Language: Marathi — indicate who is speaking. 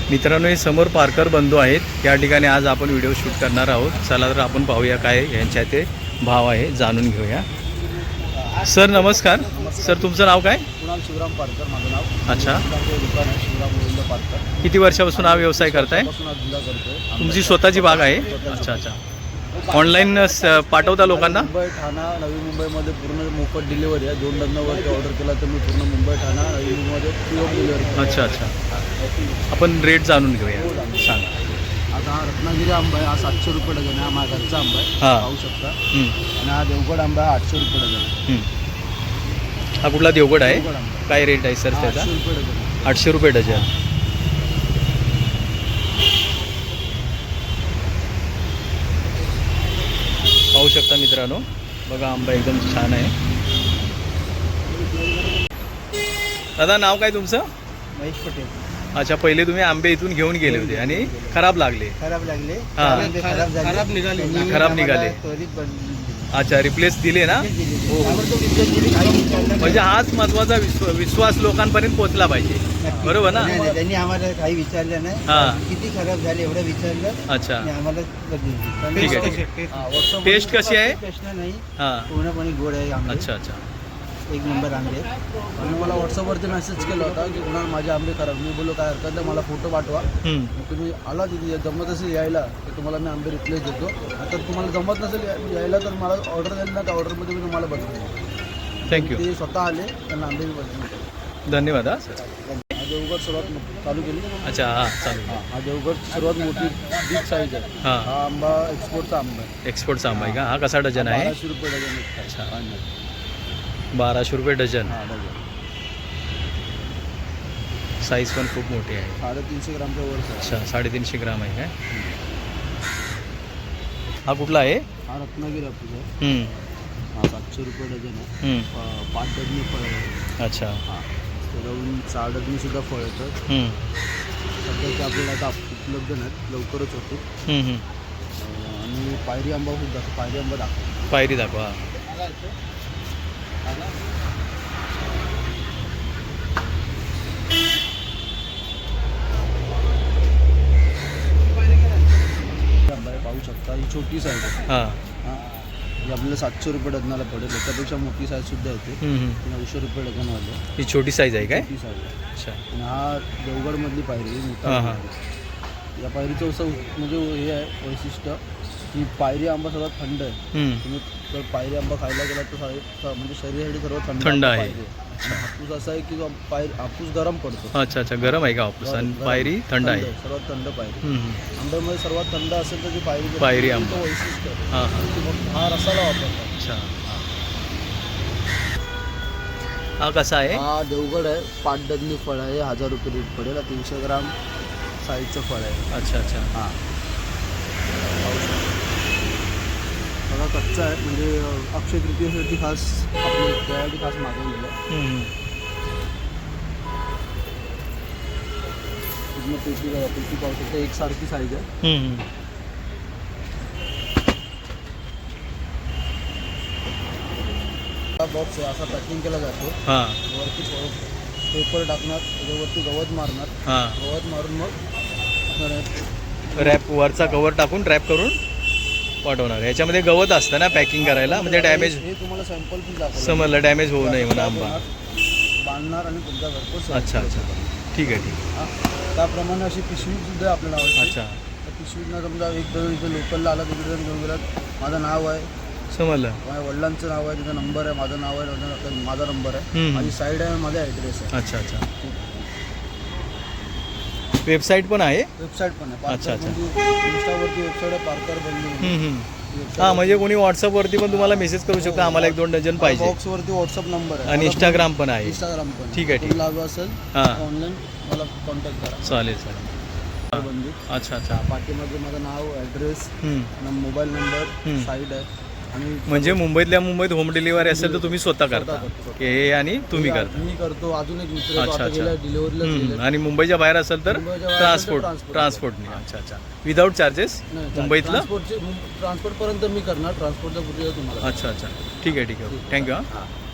Speaker 1: मित्रांनो, हे समोर पारकर बंधू आहेत. या ठिकाणी आज आपण व्हिडिओ शूट करणार आहोत. चला तर आपण पाहूया काय यांच्या ते भाव आहे, जाणून घेऊया. सर नमस्कार. सर तुमचं नाव काय?
Speaker 2: कुणाल शिवराम पारकर माझं नाव.
Speaker 1: अच्छा.
Speaker 2: दुकान आहे शिवराम गोविंद पारकर.
Speaker 1: किती वर्षापासून हा व्यवसाय करताय?
Speaker 2: धंदा करतोय.
Speaker 1: तुमची स्वतःची बाग आहे? अच्छा अच्छा. ऑनलाईन पाठवता लोकांना?
Speaker 2: मुंबई ठाणा नवी मुंबईमध्ये पूर्ण मोफत डिलिव्हरी आहे. 2 डझनवरती ऑर्डर केला तर मी पूर्ण मुंबई ठाणा नवी मुंबईमध्ये फ्री होम डिलिव्हरी.
Speaker 1: अच्छा अच्छा. आपण रेट जाणून घेऊया, सांगा.
Speaker 2: आता हा रत्नागिरी आंबा आहे, हा 700 रुपये डझन आहे. हा माझा घरचा आंबा आहे,
Speaker 1: हां.
Speaker 2: पाहू शकता. आणि हा देवगड आंबा आहे, 800 रुपये डझन.
Speaker 1: हा कुठला देवगड आहे?
Speaker 2: देवगड आंबा
Speaker 1: काय रेट आहे सर त्याचा?
Speaker 2: 800 रुपये डझन.
Speaker 1: 800 रुपये डझन. पाहू शकता मित्रांनो, बघा आंबा एकदम छान आहे. दादा नाव काय तुमचं?
Speaker 2: महेश पटेल.
Speaker 1: अच्छा, पहिले तुम्ही आंबे इथून घेऊन गेले होते आणि खराब लागले.
Speaker 2: खराब लागले.
Speaker 1: हां.
Speaker 2: खराब निघाले.
Speaker 1: खराब निघाले. अच्छा, रिप्लेस दिले ना? हो. म्हणजे हाच महत्वाचा विश्वास लोकांपर्यंत पोहोचला पाहिजे, बरोबर ना?
Speaker 2: त्यांनी आम्हाला काही विचारलं नाही.
Speaker 1: हां.
Speaker 2: किती खराब झाले एवढं विचारलं.
Speaker 1: अच्छा,
Speaker 2: आम्हाला
Speaker 1: ठीक आहे, ठीक आहे. टेस्ट कशी आहे?
Speaker 2: प्रश्न नाही,
Speaker 1: हां.
Speaker 2: पूर्णपणे गोड आहे आंबे.
Speaker 1: अच्छा अच्छा.
Speaker 2: एक नंबर आंबे. आणि मला व्हॉट्सअपवरती मेसेज केला होता की कुणाला माझे आंबे खराब. मी बोललो काय हरकत नाही, मला फोटो पाठवा. मग तुम्ही आला तिथे जमत असेल यायला तर तुम्हाला मी आंबे रिप्लेस देतो. आता तुम्हाला जमत नसेल यायला तर मला ऑर्डर द्याल ना, त्या ऑर्डरमध्ये मी तुम्हाला बदलतो.
Speaker 1: थँक्यू.
Speaker 2: ते स्वतः आले, त्यांना आंबे मी बदलतो.
Speaker 1: धन्यवाद. हां सर.
Speaker 2: हा देवगड सर्वात चालू केली.
Speaker 1: अच्छा, हां चालेल.
Speaker 2: हा देवगड सर्वात मोठी बिग साईज आहे.
Speaker 1: हां.
Speaker 2: हा आंबा एक्सपोर्टचा आंबा आहे.
Speaker 1: एक्सपोर्टचा आंबा आहे का? हा कसा डझन आहे?
Speaker 2: 1200 रुपये डझन आहे.
Speaker 1: अच्छा. 1200 रुपये डझन.
Speaker 2: हा डझन.
Speaker 1: साईज पण खूप मोठी आहे.
Speaker 2: 350 ग्रामच्या वर.
Speaker 1: अच्छा, 350 ग्राम आहे काय? हा कुठला आहे?
Speaker 2: हा रत्नागिरी हापूस आहे. हा 700 रुपये डझन आहे. 5 डझनी फळ आहे.
Speaker 1: अच्छा.
Speaker 2: हां, त्याच्याहून 4 डझनी सुद्धा फळ येतात. सध्या ते आपल्याला आता उपलब्ध नाहीत, लवकरच होते. आणि पायरी आंबा सुद्धा, पायरी आंबा दाखवा.
Speaker 1: पायरी दाखवा.
Speaker 2: आंबा आहे, पाहू शकता. ही छोटी साईज आहे.
Speaker 1: हां.
Speaker 2: हां, ही आपल्याला 700 रुपये डझनाला पडेल. त्याच्यापेक्षा मोठी साईज सुद्धा येते. 900 रुपये डझनवाले.
Speaker 1: ही छोटी साईज आहे काय?
Speaker 2: छोटी साईज आहे.
Speaker 1: अच्छा.
Speaker 2: आणि हा देवगडमधली पायरी आहे, मोठा
Speaker 1: हां, हां.
Speaker 2: पायरी. या पायरीचं असं म्हणजे हे आहे वैशिष्ट्य की पायरी आंबा सर्वात थंड आहे. तुम्ही जर पायरी आंबा खायला गेला तर म्हणजे शरीरासाठी सर्वात
Speaker 1: थंड आहे.
Speaker 2: आणि हापूस असा आहे की हापूस गरम पडतो.
Speaker 1: अच्छा अच्छा. गरम आहे का हापूस? आणि
Speaker 2: गरम.
Speaker 1: पायरी थंड आहे.
Speaker 2: सर्वात थंड पायरी. आंब्यामध्ये सर्वात थंड असेल तर ती पायरी.
Speaker 1: पायरी आंबा.
Speaker 2: वैशिष्ट्य आहे.
Speaker 1: हां हां.
Speaker 2: की मग हा रसाला वापरतात.
Speaker 1: अच्छा. हा कसा आहे?
Speaker 2: हा देवगड आहे, 5 डझनी फळ आहे. 1000 रुपये रेट पडेल. 300 ग्राम साईजचं फळ आहे.
Speaker 1: अच्छा अच्छा.
Speaker 2: हां, बघा कच्चा आहे. म्हणजे अक्षय तृतीयेसाठी खास आपल्या त्यासाठी खास मागवलेलं आहे. पूर्ण पेटी पाहू शकता, एकसारखी साईज आहे. हा बॉक्स आहे, असा पॅकिंग केला जातो.
Speaker 1: हां
Speaker 2: वरती पेपर टाकणार, त्याच्यावरती गवत मारणार.
Speaker 1: हां.
Speaker 2: गवत मारून मग
Speaker 1: रॅप वरचा कवर टाकून रॅप करून पाठवणार. याच्यामध्ये गवत असतं ना पॅकिंग करायला, म्हणजे डॅमेज.
Speaker 2: हे तुम्हाला सॅम्पल पण दाखवलं.
Speaker 1: समजलं, डॅमेज होऊ नये म्हणून आंबा.
Speaker 2: बांधणार आणि तुमच्या घरपोच.
Speaker 1: अच्छा अच्छा. ठीक आहे ठीक आहे.
Speaker 2: त्याप्रमाणे अशी पिशवी सुद्धा आपल्याला आवडते.
Speaker 1: अच्छा.
Speaker 2: त्या पिशवीतनं समजा एक जण इथे लोकलला आला, तिकडे जण घेऊन गेलात, माझं नाव आहे,
Speaker 1: समजलं.
Speaker 2: माझ्या वडिलांचं नाव आहे, तिचा नंबर आहे, माझं नाव आहे, माझा नंबर आहे, माझी साईड आहे, माझा ॲड्रेस आहे.
Speaker 1: अच्छा अच्छा. वेबसाईट पण आहे?
Speaker 2: वेबसाईट पण आहे.
Speaker 1: अच्छा अच्छा.
Speaker 2: इंस्टावरती वेबसाईट आहे, पारकर बंधू.
Speaker 1: हां, म्हणजे कोणी व्हॉट्सअपवरती पण तुम्हाला मेसेज करू शकता, आम्हाला 1-2 डझन पाहिजे.
Speaker 2: बॉक्सवरती व्हॉट्सअप नंबर आहे
Speaker 1: आणि इंस्टाग्राम पण आहे.
Speaker 2: इंस्टाग्राम पण.
Speaker 1: ठीक आहे ठीक आहे.
Speaker 2: हवं असेल
Speaker 1: हां,
Speaker 2: ऑनलाईन मला कॉन्टॅक्ट करा.
Speaker 1: चालेल चालेल.
Speaker 2: बंधू.
Speaker 1: अच्छा अच्छा.
Speaker 2: पाठीमागे माझं नाव, ॲड्रेस, मोबाईल नंबर, साईड आहे. आणि
Speaker 1: म्हणजे मुंबईतल्या मुंबईत होम डिलिव्हरी असेल तर तुम्ही स्वतः करता की हे आणि तुम्ही करता?
Speaker 2: मी करतो. अजून एक मित्र
Speaker 1: अच्छा अच्छा.
Speaker 2: डिलिव्हरीला.
Speaker 1: आणि मुंबईच्या बाहेर असेल तर
Speaker 2: मुंबईच्या बाहेर असेल तर
Speaker 1: ट्रान्सपोर्टने. अच्छा अच्छा. विदाऊट चार्जेस मुंबईतलं?
Speaker 2: ट्रान्सपोर्टपर्यंत मी करणार, ट्रान्सपोर्टच्या पूर्वी तुम्हाला.
Speaker 1: अच्छा अच्छा. ठीक आहे ठीक आहे. थँक्यू. हां.